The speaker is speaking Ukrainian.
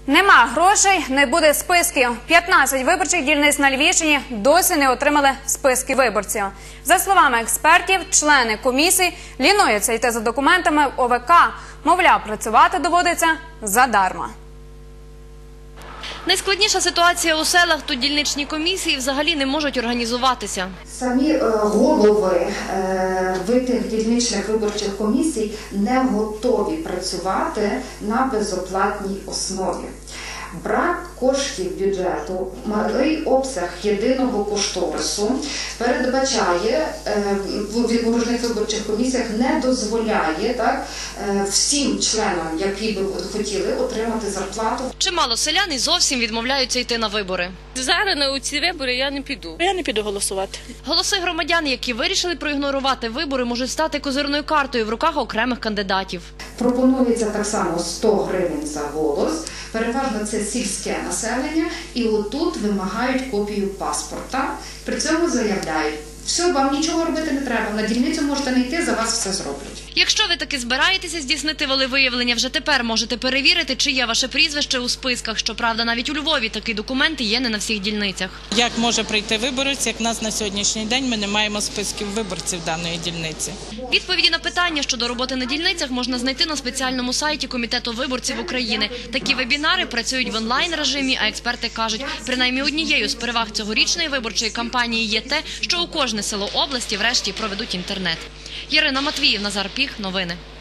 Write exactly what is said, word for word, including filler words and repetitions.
Нема грошей, не буде списків. п'ятнадцять виборчих дільниць на Львівщині досі не отримали списки виборців. За словами експертів, члени комісій лінуються йти за документами в О В К. Мовляв, працювати доводиться задарма. Найскладніша ситуація у селах, тут дільничні комісії взагалі не можуть організуватися. Самі голови тих дільничних виборчих комісій не готові працювати на безоплатній основі. Брак коштів бюджету, малий обсяг єдиного кошторису передбачає, в окружних виборчих комісіях не дозволяє так, всім членам, які б хотіли отримати зарплату. Чимало селян і зовсім відмовляються йти на вибори. Зараз на ці вибори я не піду. Я не піду голосувати. Голоси громадян, які вирішили проігнорувати вибори, можуть стати козирною картою в руках окремих кандидатів. Пропонується так само сто гривень за голос. Переважно це сільське населення, і отут вимагають копію паспорта. При цьому заявляють, все, вам нічого робити не треба, на дільницю можете не йти, за вас все зроблять. Якщо ви таки збираєтеся здійснити волевиявлення, вже тепер можете перевірити, чи є ваше прізвище у списках. Щоправда, навіть у Львові такі документи є не на всіх дільницях. Як може прийти виборець, як в нас на сьогоднішній день ми не маємо списків виборців даної дільниці? Відповіді на питання щодо роботи на дільницях можна знайти на спеціальному сайті Комітету виборців України. Такі вебінари працюють в онлайн-режимі, а експерти кажуть, принаймні однією з переваг цьогорічної виборчої кампанії є те, що у кожне село області врешті проведуть інтернет. Ярина Матвіїв, Назар Піх. Новини.